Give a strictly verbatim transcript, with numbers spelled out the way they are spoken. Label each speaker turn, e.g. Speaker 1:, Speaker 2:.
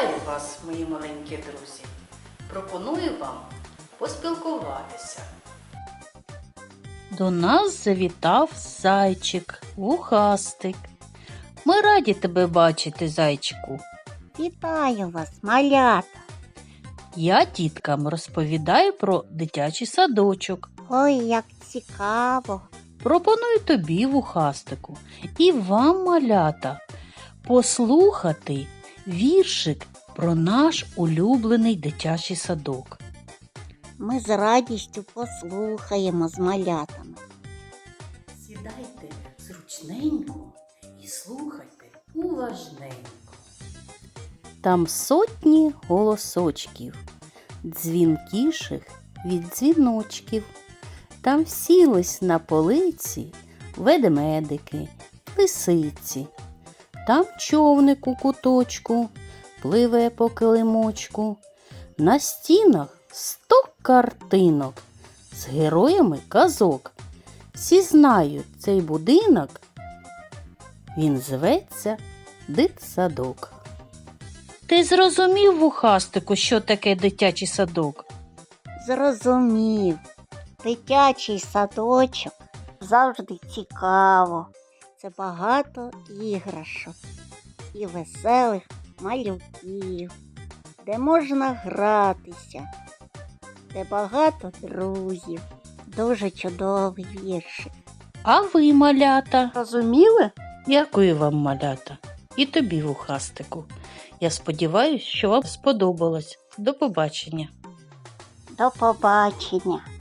Speaker 1: Вітаю вас, мої маленькі друзі! Пропоную вам поспілкуватися. До нас завітав зайчик, вухастик. Ми раді тебе бачити, зайчику.
Speaker 2: Вітаю вас, малята!
Speaker 1: Я діткам розповідаю про дитячий садочок.
Speaker 2: Ой, як цікаво!
Speaker 1: Пропоную тобі, вухастику, і вам, малята, послухати віршик про наш улюблений дитячий садок.
Speaker 2: Ми з радістю послухаємо з малятами.
Speaker 1: Сідайте зручненько і слухайте уважненько. Там сотні голосочків, дзвінкіших від дзвіночків. Там сілись на полиці ведмедики, лисиці. Там човник у куточку пливе по килимочку. На стінах сто картинок з героями казок. Всі знають цей будинок, він зветься дитсадок. Ти зрозумів, вухастику, що таке дитячий садок?
Speaker 2: Зрозумів, дитячий садочок завжди цікаво. Це багато іграшок і веселих малюків, де можна гратися, де багато друзів. Дуже чудовий віршик.
Speaker 1: А ви, малята?
Speaker 2: Розуміли?
Speaker 1: Дякую вам, малята. І тобі, вухастику. Я сподіваюся, що вам сподобалось. До побачення.
Speaker 2: До побачення.